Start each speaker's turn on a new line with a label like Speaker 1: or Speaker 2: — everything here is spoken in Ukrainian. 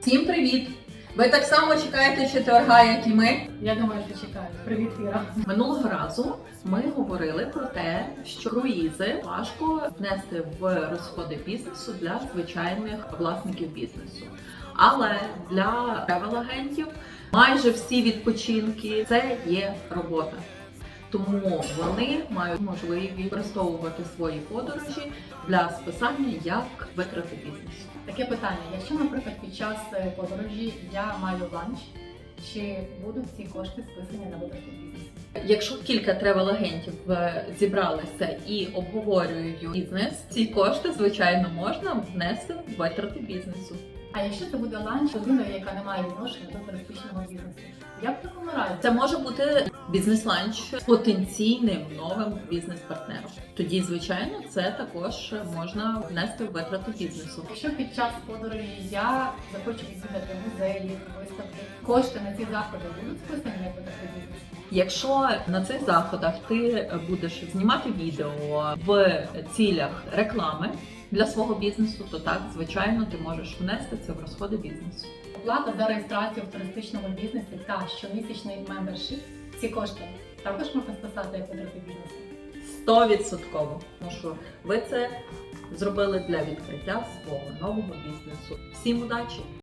Speaker 1: Всім привіт! Ви так само чекаєте четверга, як і ми?
Speaker 2: Я думаю, що чекають. Привіт, Іра.
Speaker 1: Минулого разу ми говорили про те, що круїзи важко внести в розходи бізнесу для звичайних власників бізнесу. Але для тревел-агентів майже всі відпочинки – це є робота. Тому вони мають можливість використовувати свої подорожі для списання як витрати бізнесу.
Speaker 2: Таке питання. Якщо, наприклад, під час подорожі я маю ланч, чи будуть ці кошти списані на витрати бізнесу?
Speaker 1: Якщо кілька тревел-агентів зібралися і обговорюють бізнес, ці кошти, звичайно, можна внести в витрати бізнесу.
Speaker 2: А якщо це буде ланч людиною, яка не має відношення до туристичного бізнесу, як в такому разі?
Speaker 1: Це може бути бізнес-ланч з потенційним новим бізнес-партнером. Тоді, звичайно, це також можна внести в витрати бізнесу.
Speaker 2: Якщо під час подорожі я захочу відвідати музеї, виставки, кошти на ці заходи будуть списані на витрати бізнесу?
Speaker 1: Якщо на цих заходах ти будеш знімати відео в цілях реклами для свого бізнесу, то так, звичайно, ти можеш внести це в розходи бізнесу.
Speaker 2: Оплата за реєстрацію в туристичному бізнесі та щомісячний мембершіп, ці кошти також можна списати як витрати бізнесу?
Speaker 1: 100%. Тому що ви це зробили для відкриття свого нового бізнесу. Всім удачі!